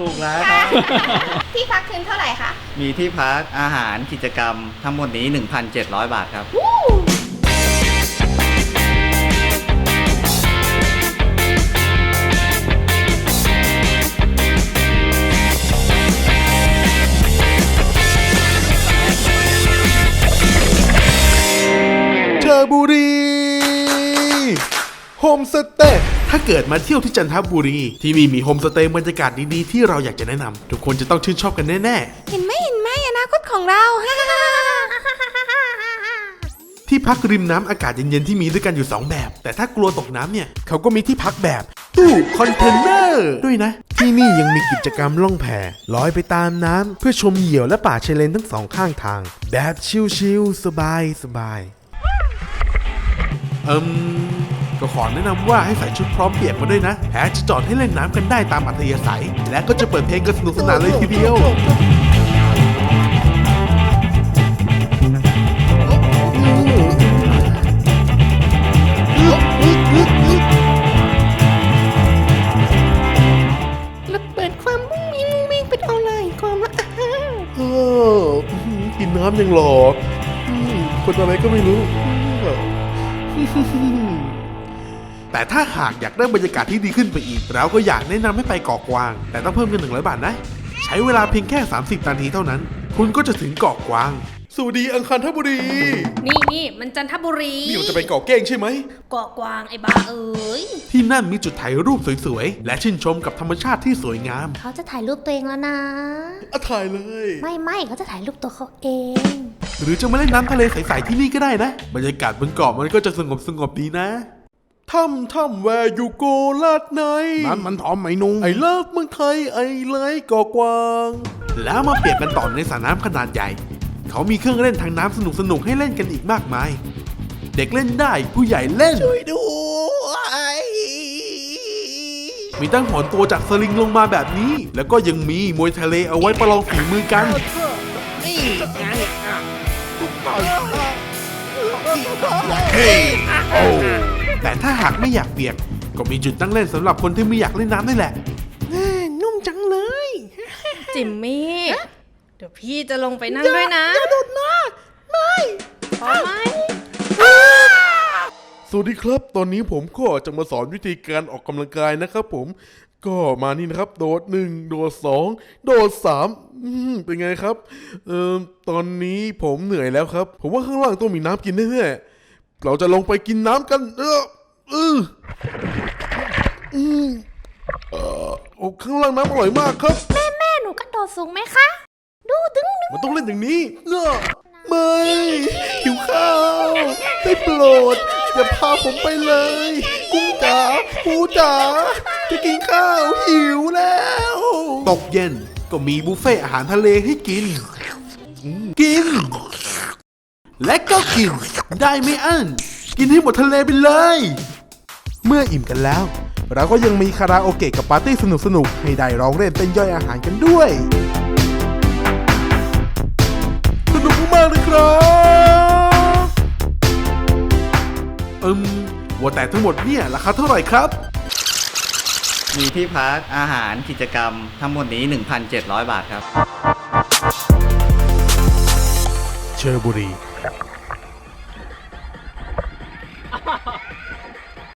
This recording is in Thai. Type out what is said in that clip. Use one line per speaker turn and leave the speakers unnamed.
ถูกแล้วครับ
ที่พักคืนเท่าไหร่คะ
มีที่พักอาหารกิจกรรมทั้งหมดนี้ 1,700 บาทครับ
เชอบุรีโฮมสเตย์ถ้าเกิดมาเที่ยวที่จันทบุรีที่มีโฮมสเตย์บรรยากาศดีๆที่เราอยากจะแนะนำทุกคนจะต้องชื่นชอบกันแน่ๆ
เห็นไหมอนาคตของเรา
ที่พักริมน้ำอากาศเย็นๆที่มีด้วยกันอยู่2แบบแต่ถ้ากลัวตกน้ำเนี่ยเขาก็มีที่พักแบบตู้คอนเทนเนอร์ด้วยนะที่นี่ยังมีกิจกรรมล่องแพลอยไปตามน้ำเพื่อชมเหยี่ยวและป่าชายเลนทั้งสองข้างทางแบบชิลๆสบายก็ขอแนะนำว่าให้ใส่ชุดพร้อมเปียกมาด้วยนะแพจะจอดให้เล่นน้ำกันได้ตามอัธยาศัยและก็จะเปิดเพลงกันสนุกสนานเลยทีเดียว
แล้วเปิดความมุ้งมิ้งเป็นออนไลน์ความละ
กินน้ำยังหล่อคนอะไรก็ไม่รู้แต่ถ้าหากอยากได้บรรยากาศที่ดีขึ้นไปอีกเราก็อยากแนะนำให้ไปเกาะกวางแต่ต้องเพิ่มเงิน100 บาทนะใช้เวลาเพียงแค่30 นาทีเท่านั้นคุณก็จะถึงเกาะกวางสวัสดีอังคารทบุรี
นี่มันจันทบุรี
นี่เราจะไปเกาะเก้งใช่ไหม
เกาะกวางไอ้บ้าเอ๋ย
ที่นั่นมีจุดถ่ายรูปสวยๆและชื่นชมกับธรรมชาติที่สวยงาม
เขาจะถ่ายรูปตัวเองแล้วนะ
ถ่ายเลย
ไม่เขาจะถ่ายรูปตัวเขาเอง
หรือจะมาเล่นน้ำทะเลใสๆที่นี่ก็ได้นะบรรยากาศบนเกาะมันก็จะสงบดีนะถ้ำแวร์ยูโกลาดในนั้นมันทอมไหมนุ่งไอเลิฟเมืองไทยไอไลท์เกาะกวางแล้วมาเปียกกันต่อในสระน้ำขนาดใหญ่เขามีเครื่องเล่นทางน้ำสนุกให้เล่นกันอีกมากมายเด็กเล่นได้ผู้ใหญ่เล่นช่วยด้วยมีตั้งหอนตัวจากสลิงลงมาแบบนี้แล้วก็ยังมีมวยทะเลเอาไว้ประลองฝีมือกันแต่ถ้าหากไม่อยากเปียกก็มีจุดตั้งเล่นสำหรับคนที่ไม่อยากเล่นน้ำนี่แหละนุ่มจังเลย
จิมมี่เดี๋ยวพี่จะลงไปนั่งด้วยนะ
อย่าโดดนะไม่
พอไหม
สวัสดีครับตอนนี้ผมก็จะมาสอนวิธีการออกกำลังกายนะครับผมก็มานี่นะครับโดด1โดด2โดด3เป็นไงครับตอนนี้ผมเหนื่อยแล้วครับผมว่าข้างล่างต้องมีน้ำกินแน่ๆเราจะลงไปกินน้ำกันข้างล่างน้ำอร่อยมากครับ
แม่หนูกระโดดสูงไหมคะดูดึง
มันต้องเล่นอย่างนี้ไม่หิวข้าวได้โปรดอย่าพาผมไปเลยกุ้งจ๋าปูจ๋าจะกินข้าวหิวแล้วตกเย็นก็มีบุฟเฟ่อาหารทะเลให้กินและก็กินได้ไม่อั้นกินให้หมดทะเลไปเลยเมื่ออิ่มกันแล้วเราก็ยังมีคาราโอเกะกับปาร์ตี้สนุกๆให้ได้ร้องเล่นเต้นย่อยอาหารกันด้วยสนุกมากเลยครับว่าแต่ทั้งหมดเนี่ยราคาเท่าไหร่ครับ
มีที่พักอาหารกิจกรรมทั้งหมดนี้ 1,700 บาทครับ
เชอบุรี